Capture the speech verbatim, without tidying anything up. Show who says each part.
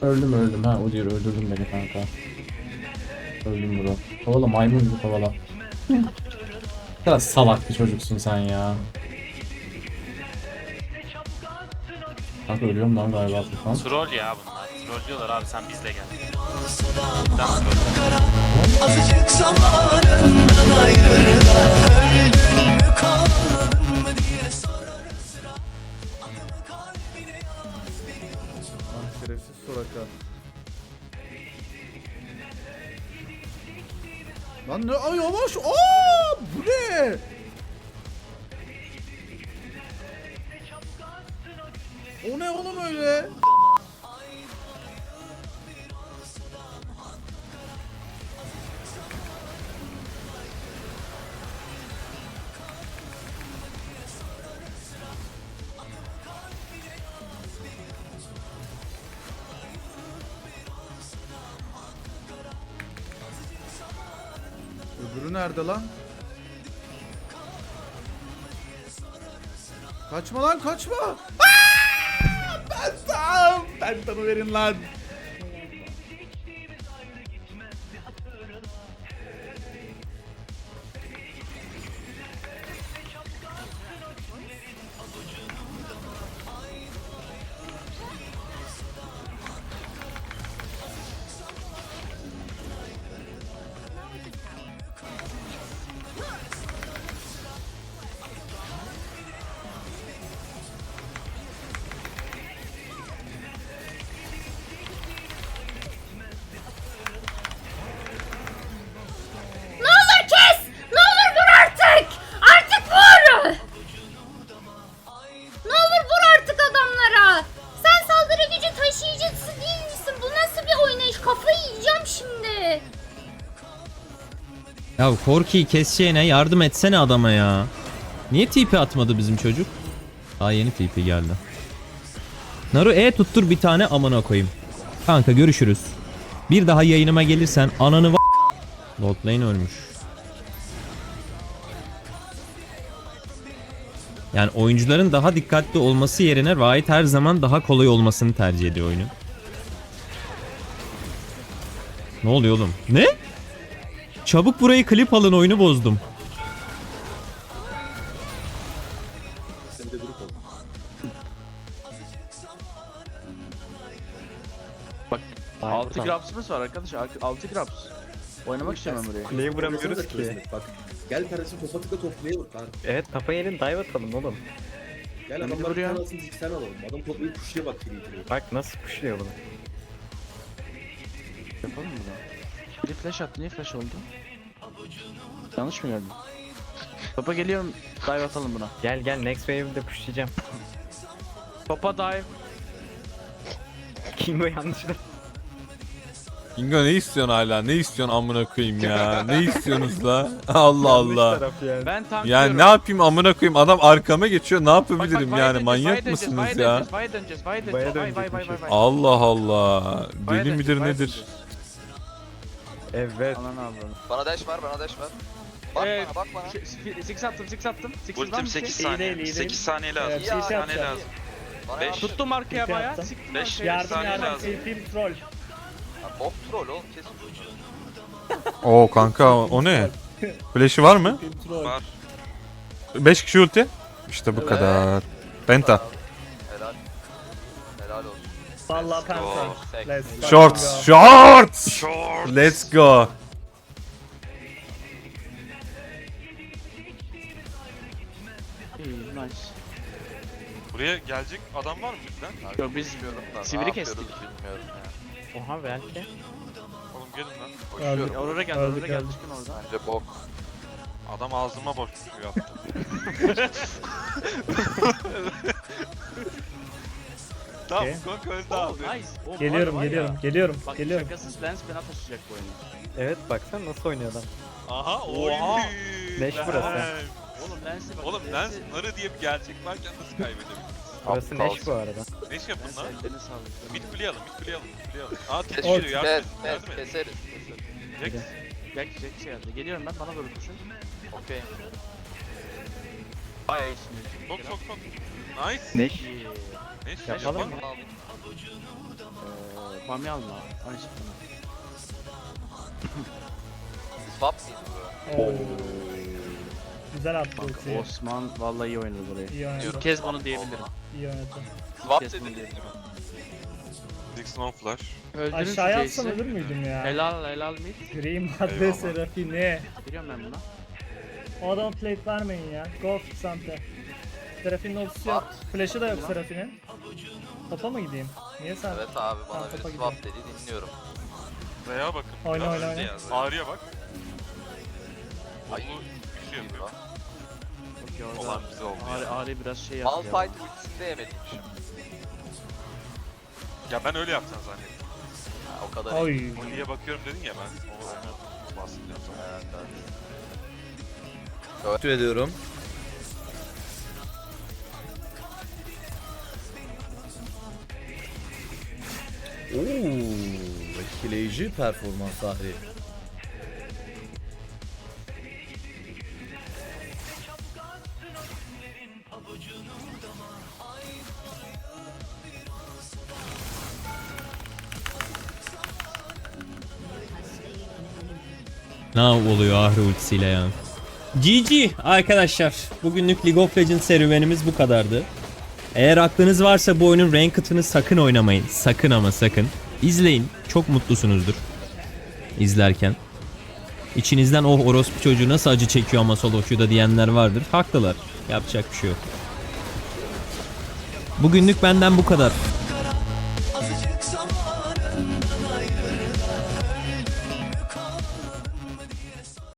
Speaker 1: Öldüm öldüm ha o diyor öldürdün beni kanka. Öldüm bro. Kovala maymun gibi kovala. Biraz salak bir çocuksun sen ya. Kanka ölüyorum lan galiba Furkan.
Speaker 2: Troll ya bunlar. Troll diyorlar abi sen bizle gel. Cidden troll.
Speaker 3: Azıcık zamanından ayrı da öldün mü kaldın mı diye sorarım sıra. Adımı kalbine yaz beni.
Speaker 4: Ah şerefsiz Soraka. Lan ne? Ay yavaş. Aa, bu ne? O ne oğlum öyle? Öbürü nerede lan? Kaçma lan kaçma. Aa! Ben tam. Ben tanı verin lan.
Speaker 5: Ne olur kes! Ne olur vur artık! Artık vur! Ne olur vur artık adamlara! Sen saldırı gücü taşıyıcısı değil misin? Bu nasıl bir oynayış? Kafayı yiyeceğim şimdi.
Speaker 6: Ya Korki'yi keseceğine yardım etsene adama ya. Niye T P atmadı bizim çocuk? Daha yeni T P geldi. Naru E tuttur bir tane amına koyayım. Kanka görüşürüz. Bir daha yayınıma gelirsen ananı va... Bot lane ölmüş. Yani oyuncuların daha dikkatli olması yerine Riot her zaman daha kolay olmasını tercih ediyor oyunu. Ne oluyor oğlum? Ne? Çabuk burayı klip alın, oyunu bozdum.
Speaker 2: Bak altı grapsımız var arkadaş. altı graps. Oynamak istiyorum ben buraya.
Speaker 7: Kuleyi vuramıyoruz ki.
Speaker 8: Bak gel kardeşim topa tıkla toplayı vur kanka.
Speaker 7: Evet kafa yerin dive atalım oğlum.
Speaker 8: Gel
Speaker 2: Ben de
Speaker 8: adamlar
Speaker 2: vuruyor.
Speaker 8: kanalsın dik sen alalım. Adam toplayı kuşluya bak kiri kiri.
Speaker 7: Bak nasıl pushluyor bunu.
Speaker 2: Yapalım mı bunu? Biri flash attı. Niye flash oldu? Yanlış mı gördüm? Topa geliyorum. Dive atalım buna.
Speaker 7: Gel gel next wave'de pushlayacağım.
Speaker 2: Topa dive.
Speaker 7: Kingo yanlışlıkla.
Speaker 9: Kingo ne istiyorsun hala? Ne istiyorsun amına koyayım ya? Ne istiyorsunuz la? Allah Allah.
Speaker 7: Yani.
Speaker 2: Ben tanklıyorum.
Speaker 9: Yani ne yapayım amına koyayım? Adam arkama geçiyor. Ne
Speaker 2: Bak, bak,
Speaker 9: yapabilirim
Speaker 2: vaya
Speaker 9: yani?
Speaker 2: döneceğiz,
Speaker 9: Manyak
Speaker 2: vaya döneceğiz,
Speaker 9: mısınız
Speaker 2: vaya
Speaker 9: ya?
Speaker 2: döneceğiz, Vaya döneceğiz, vaya döneceğiz,
Speaker 7: Vaya
Speaker 2: vay vay vay vay
Speaker 7: dönecekmişiz.
Speaker 2: vay.
Speaker 9: Allah Allah.
Speaker 2: Vaya
Speaker 9: Deli
Speaker 2: döneceğiz,
Speaker 9: midir
Speaker 2: vaya
Speaker 9: nedir?
Speaker 2: döneceğiz.
Speaker 7: Evet.
Speaker 2: Anan ablam.
Speaker 10: Bana dash var, bana dash var. Bak
Speaker 2: Ee,
Speaker 10: bana, bak bana.
Speaker 2: şey, six attım, six attım. Six var
Speaker 11: Ultim
Speaker 2: mı
Speaker 11: sekiz
Speaker 2: şey?
Speaker 11: saniye. sekiz saniye lazım.
Speaker 10: İyi
Speaker 11: sekiz
Speaker 10: ya.
Speaker 11: saniye lazım.
Speaker 10: Bana
Speaker 11: beş.
Speaker 10: yardım.
Speaker 2: Tuttum arkaya bayağı. Siktim
Speaker 11: beş
Speaker 2: arkaya.
Speaker 11: yardım saniye lazım.
Speaker 10: Ha, bok troll oğlum kesin.
Speaker 9: Oo kanka o ne? Flash'ı var mı?
Speaker 11: Var.
Speaker 9: beş kişi ulti. İşte bu kadar. Penta.
Speaker 10: Helal. Helal olsun.
Speaker 7: Vallahi
Speaker 11: Go.
Speaker 10: Sek.
Speaker 9: Shorts. Shorts.
Speaker 11: Short.
Speaker 9: Let's go.
Speaker 2: İyi, nice.
Speaker 11: Buraya gelecek adam var mı bizden?
Speaker 2: Yok biz
Speaker 10: Bilmiyorum da.
Speaker 2: sivri
Speaker 10: ne
Speaker 2: kestik.
Speaker 10: yapıyoruz bilmiyorum ya.
Speaker 7: Oha belki.
Speaker 11: Oğlum gelin lan.
Speaker 10: Koşuyorum.
Speaker 2: Aurora geldi, Aurora geldi. Çıkın oradan.
Speaker 10: Bence bok.
Speaker 11: Adam ağzıma boş bir yaptı. Tamam, Gok öldü
Speaker 2: Oh
Speaker 11: abi.
Speaker 2: nice. Oh,
Speaker 7: Geliyorum
Speaker 2: var ya.
Speaker 7: geliyorum geliyorum
Speaker 2: Bak
Speaker 7: geliyorum.
Speaker 2: şakasız Lens bana taşıyacak bu oyunu.
Speaker 7: Evet baksana nasıl oynuyor adam.
Speaker 11: Aha, oy.
Speaker 2: Oha.
Speaker 7: Leş burası.
Speaker 2: Oğlum Lens'e bak.
Speaker 11: Oğlum Lens narı diye bir gerçek varken nasıl kaybedebiliriz?
Speaker 7: Burası Neş bu arada.
Speaker 11: Ne iş yapın
Speaker 2: Lens
Speaker 11: lan?
Speaker 2: ellerini sağlık.
Speaker 11: Mid kuleye alın, mid kuleye alın, mid kuleye alın. Aa tek
Speaker 10: Kes,
Speaker 11: geliyor,
Speaker 10: kes,
Speaker 11: yardım
Speaker 10: kes,
Speaker 11: edin, yardım edin.
Speaker 10: keseriz. keseriz.
Speaker 11: Jax.
Speaker 2: Gel gel şey geldi. Geliyorum ben bana doğru koşun.
Speaker 10: Okey.
Speaker 2: Bayağı iyisin.
Speaker 11: Sok sok sok. Nice.
Speaker 7: Neş.
Speaker 2: İyi.
Speaker 11: Ne iş
Speaker 7: Yapalım
Speaker 11: yapalım?
Speaker 7: mı?
Speaker 10: Aldım.
Speaker 2: Ee, Bamya alma. Ay bana.
Speaker 10: Swap mıydı bu?
Speaker 12: Oo. Güzel attı
Speaker 2: Kanka
Speaker 12: ultiyi.
Speaker 2: Osman vallahi iyi oynadı burayı.
Speaker 12: İyi oynadı.
Speaker 2: İlk kez bunu diyebilirim.
Speaker 12: İyi oynadı.
Speaker 10: Swap
Speaker 2: Kes bunu
Speaker 10: dedi.
Speaker 2: diyebilirim.
Speaker 11: Dixon on flash.
Speaker 2: Öldürün
Speaker 12: Aşağıya
Speaker 2: şu
Speaker 12: atsam
Speaker 2: Jace'i.
Speaker 12: ölür müydüm ya?
Speaker 2: Helal helal mid.
Speaker 12: Green madde
Speaker 11: Eyvallah.
Speaker 12: Serafine.
Speaker 2: Giriyorum ben buna.
Speaker 12: O adama plate vermeyin ya. Go Sante. Serafinin ultisi yok. Flash'ı da yok Serafinin. Topa mı gideyim? Niye sen?
Speaker 10: Evet abi bana
Speaker 12: Tamam,
Speaker 10: biri
Speaker 12: topa
Speaker 10: swap dedi dinliyorum.
Speaker 11: Veya bakın.
Speaker 12: Oyna,
Speaker 11: biraz.
Speaker 12: oyna, oyna.
Speaker 11: Ağrı'ya bak.
Speaker 10: Ay.
Speaker 11: Onu bir şey yapıyor.
Speaker 2: Çok iyi orada.
Speaker 11: Olan bize oldu
Speaker 2: Ağrı,
Speaker 11: ya.
Speaker 2: Ağrı biraz şey yaptı ya.
Speaker 10: Malphite ultisini de yemeliymişim.
Speaker 11: Ya ben öyle yapacağım zannettim.
Speaker 10: Ha, o kadar.
Speaker 12: Oy.
Speaker 11: Molly'ye bakıyorum dedin ya ben. Onu onu bahsedeceğim sana.
Speaker 10: Evet, evet.
Speaker 4: Teşekkür ediyorum. Oo, etkileyici performans Ahri.
Speaker 6: Ne oluyor Ahri ultisiyle ya. G G arkadaşlar. Bugünlük League of Legends serüvenimiz bu kadardı. Eğer aklınız varsa bu oyunun Ranked'ını sakın oynamayın. Sakın ama sakın. İzleyin. Çok mutlusunuzdur. İzlerken. İçinizden oh orospu çocuğu nasıl acı çekiyor ama solo queue'da diyenler vardır. Haklılar. Yapacak bir şey yok. Bugünlük benden bu kadar.